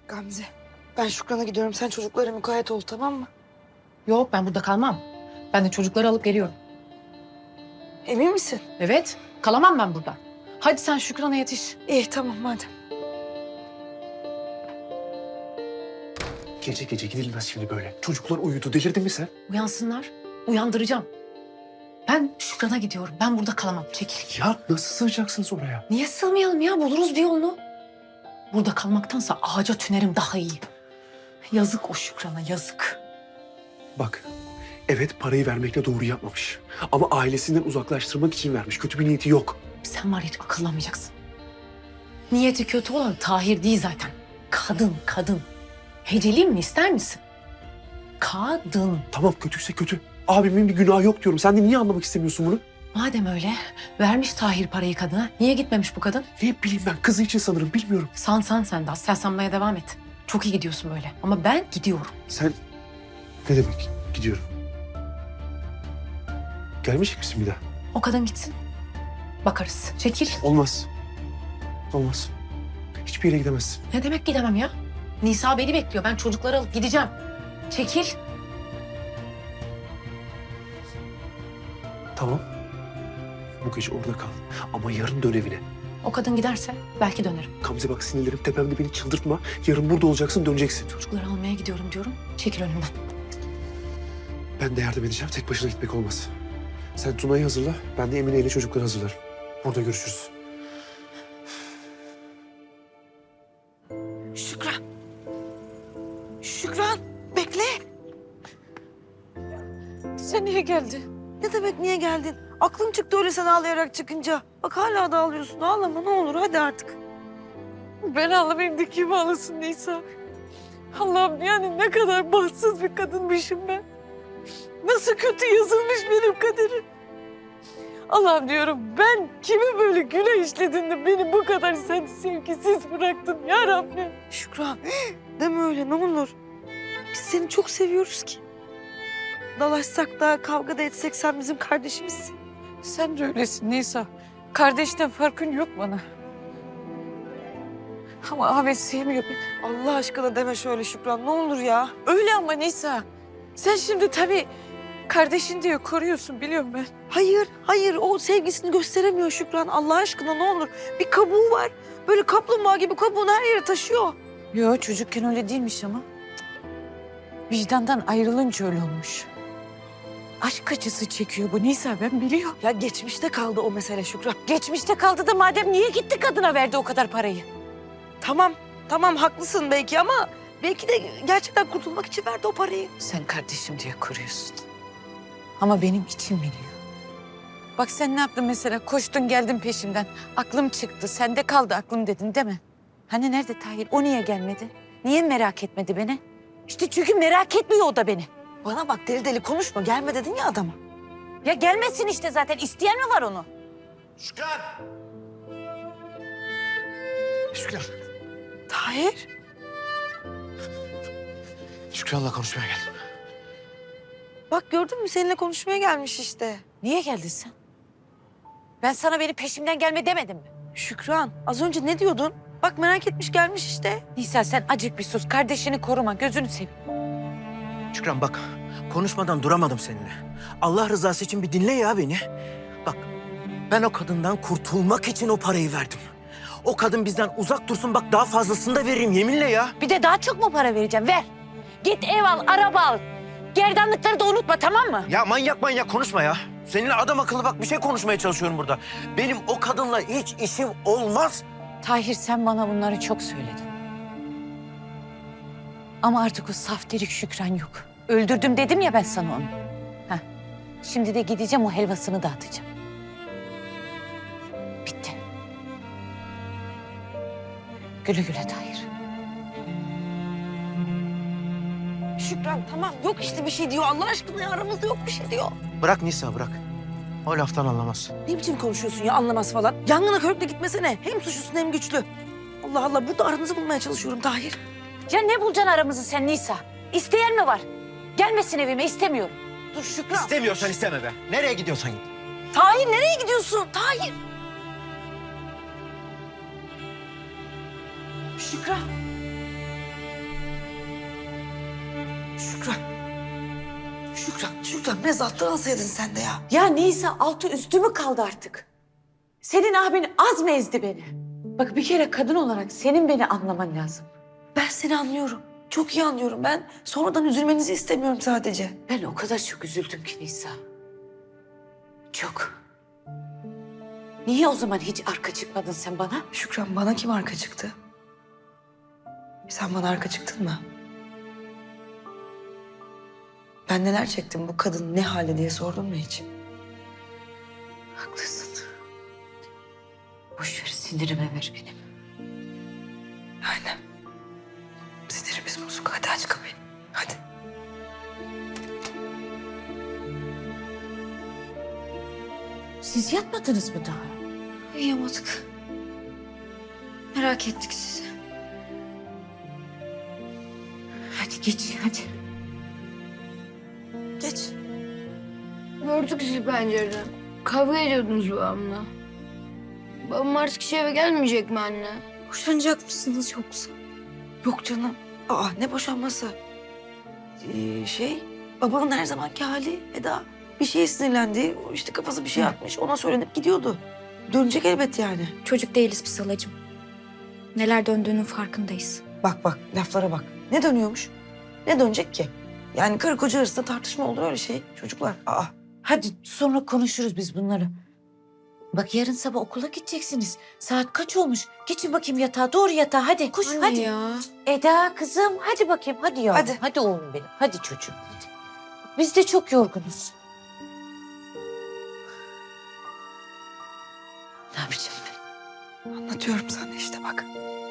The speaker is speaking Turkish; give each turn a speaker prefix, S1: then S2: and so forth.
S1: Gamze, ben Şükran'a gidiyorum. Sen çocuklara mukayyet ol, tamam mı?
S2: Yok, ben burada kalmam. Ben de çocukları alıp geliyorum.
S1: Emin misin?
S2: Evet, kalamam ben burada. Hadi sen Şükran'a yetiş.
S1: İyi, tamam madem.
S3: Gece gece gidilmez şimdi böyle. Çocuklar uyudu. Delirdin mi sen?
S2: Uyansınlar, uyandıracağım. Ben Şükran'a gidiyorum. Ben burada kalamam. Çekil.
S3: Ya nasıl sığacaksınız oraya?
S2: Niye sığmayalım ya? Buluruz bir yolunu. Burada kalmaktansa ağaca tünerim daha iyi. Yazık o Şükran'a, yazık.
S3: Bak, evet parayı vermekle doğru yapmamış. Ama ailesinden uzaklaştırmak için vermiş. Kötü bir niyeti yok.
S2: Sen var ya, hiç akıllanmayacaksın. Niyeti kötü olan Tahir değil zaten. Kadın. Heceleyeyim mi, ister misin? Kadın.
S3: Tamam kötüyse kötü. Abimin bir günahı yok diyorum. Sen de niye anlamak istemiyorsun bunu?
S2: Madem öyle, vermiş Tahir parayı kadına. Niye gitmemiş bu kadın?
S3: Ne bileyim ben kızı için sanırım bilmiyorum.
S2: San sen de. Sen sanmaya devam et. Çok iyi gidiyorsun böyle. Ama ben gidiyorum.
S3: Sen ne demek gidiyorum? Gelmeyecek misin bir daha?
S2: O kadın gitsin. Bakarız. Çekil.
S3: Olmaz. Olmaz. Hiçbir yere gidemezsin.
S2: Ne demek gidemem ya? Nisa beni bekliyor. Ben çocukları alıp gideceğim. Çekil.
S3: Tamam. Bu gece orada kal. Ama yarın dön evine.
S2: O kadın giderse belki dönerim.
S3: Gamze bak sinirlerim tepemde, beni çıldırtma. Yarın burada olacaksın, döneceksin.
S2: Çocukları almaya gidiyorum diyorum. Çekil önümden.
S3: Ben de yardım edeceğim. Tek başına gitmek olmaz. Sen Tuna'yı hazırla. Ben de Emine ile çocukları hazırlarım. Burada görüşürüz.
S1: Şükran. Şükran, bekle.
S4: Sen niye geldin?
S1: Ne demek niye geldin? Aklım çıktı öyle sen ağlayarak çıkınca. Bak hala da ağlıyorsun. Ağlama ne olur hadi artık.
S4: Ben ağlamayayım da kim ağlasın Nisa? Allah'ım yani ne kadar bahtsız bir kadınmışım ben. Nasıl kötü yazılmış benim kaderim. Allah'ım diyorum ben kimi böyle günah işledim de beni bu kadar sen sevgisiz bıraktın ya Rabbim.
S1: Şükran, deme öyle ne olur. Biz seni çok seviyoruz ki. Dalaşsak da kavga da etsek sen bizim kardeşimizsin.
S4: Sen de öylesin Nisa. Kardeşten farkın yok bana. Ama Ahmet sevmiyor beni.
S1: Allah aşkına deme şöyle Şükran ne olur ya.
S4: Öyle ama Nisa. Sen şimdi tabii kardeşin diye koruyorsun biliyorum ben.
S1: Hayır o sevgisini gösteremiyor Şükran. Allah aşkına ne olur. Bir kabuğu var. Böyle kaplumbağa gibi kabuğunu her yere taşıyor.
S4: Yo çocukken öyle değilmiş ama. Vicdandan ayrılınca öyle olmuş. Aşk acısı çekiyor bu Nisa ben biliyorum.
S1: Ya geçmişte kaldı o mesele Şükran.
S4: Geçmişte kaldı da madem niye gitti kadına verdi o kadar parayı?
S1: Tamam haklısın belki ama belki de gerçekten kurtulmak için verdi o parayı.
S4: Sen kardeşim diye koruyorsun. Ama benim içim biliyor. Bak sen ne yaptın mesela? Koştun geldin peşimden. Aklım çıktı. Sende kaldı aklım dedin değil mi? Hani nerede Tahir? O niye gelmedi? Niye merak etmedi beni? İşte çünkü merak etmiyor o da beni.
S1: Bana bak deli deli konuşma. Gelme dedin ya adama.
S4: Ya gelmesin işte zaten. İsteyen mi var onu?
S3: Şükran! Şükran.
S1: Tahir.
S3: Şükran'la konuşmaya geldim.
S1: Bak gördün mü seninle konuşmaya gelmiş işte.
S4: Niye geldin sen? Ben sana beni peşimden gelme demedim mi?
S1: Şükran az önce ne diyordun? Bak merak etmiş gelmiş işte.
S4: Nisa sen acık bir sus. Kardeşini koruma. Gözünü seveyim.
S5: Şükran bak, konuşmadan duramadım seninle. Allah rızası için bir dinle ya beni. Bak, ben o kadından kurtulmak için o parayı verdim. O kadın bizden uzak dursun, bak daha fazlasını da veririm yeminle ya.
S4: Bir de daha çok mu para vereceğim? Ver. Git ev al, araba al. Gerdanlıkları da unutma tamam mı?
S5: Ya manyak konuşma ya. Seninle adam akıllı bak bir şey konuşmaya çalışıyorum burada. Benim o kadınla hiç işim olmaz.
S4: Tahir sen bana bunları çok söyledin. Ama artık o saf delik Şükran yok. Öldürdüm dedim ya ben sana onu. Heh. Şimdi de gideceğim o helvasını dağıtacağım. Bitti. Güle güle Tahir.
S1: Şükran tamam yok işte bir şey diyor. Allah aşkına ya, aramızda yok bir şey diyor.
S5: Bırak Nisa bırak. O laftan anlamaz.
S1: Ne biçim konuşuyorsun ya anlamaz falan. Yangına körükle gitmesene. Hem suçlusun hem güçlü. Allah Allah burada aranızı bulmaya çalışıyorum Tahir.
S4: Ya ne bulacaksın aramızı sen Nisa? İsteyen mi var? Gelmesin evime istemiyorum.
S1: Dur Şükran.
S5: İstemiyorsan isteme be. Nereye gidiyorsan git.
S1: Tahir nereye gidiyorsun? Tahir. Şükran. Şükran biraz alttan alsaydın sen de ya.
S6: Ya Nisa altı üstü mü kaldı artık? Senin abin az mı ezdi beni? Bak bir kere kadın olarak senin beni anlaman lazım.
S1: Ben seni anlıyorum. Çok iyi anlıyorum. Ben sonradan üzülmenizi istemiyorum sadece.
S6: Ben o kadar çok üzüldüm ki Nisa. Çok. Niye o zaman hiç arka çıkmadın sen bana?
S1: Şükran bana kim arka çıktı? Sen bana arka çıktın mı? Ben neler çektim bu kadın ne halde diye sordun mu hiç?
S6: Haklısın. Boş ver sinirime ver benim.
S1: Aynen. Sinirimiz bozuk. Hadi aç kapıyı. Hadi.
S6: Siz yatmadınız mı daha?
S1: Uyuyamadık. Merak ettik sizi.
S6: Hadi geç hadi.
S1: Geç.
S7: Gördük sizi pencereden. Kavga ediyordunuz babamla. Babam artık hiç eve gelmeyecek mi anne?
S1: Boşanacak mısınız yoksa? Yok canım. Aa ne boşanması? Babanın her zamanki hali Eda. Bir şeye sinirlendi. İşte kafası bir şey atmış. Ona söylenip gidiyordu. Dönecek elbet yani.
S8: Çocuk değiliz biz halacığım. Neler döndüğünün farkındayız.
S1: Bak laflara bak. Ne dönüyormuş? Ne dönecek ki? Yani karı koca arasında tartışma olur öyle şey. Çocuklar.
S6: Hadi sonra konuşuruz biz bunları. Bak yarın sabah okula gideceksiniz. Saat kaç olmuş? Geçin bakayım yatağa. Doğru yatağa hadi. Koş hadi.
S8: ya.
S6: Eda kızım hadi bakayım. Hadi yavrum.
S1: Hadi.
S6: Hadi oğlum benim. Hadi çocuğum. Hadi. Biz de çok yorgunuz. Ne yapacağım ben?
S1: Anlatıyorum sana işte bak.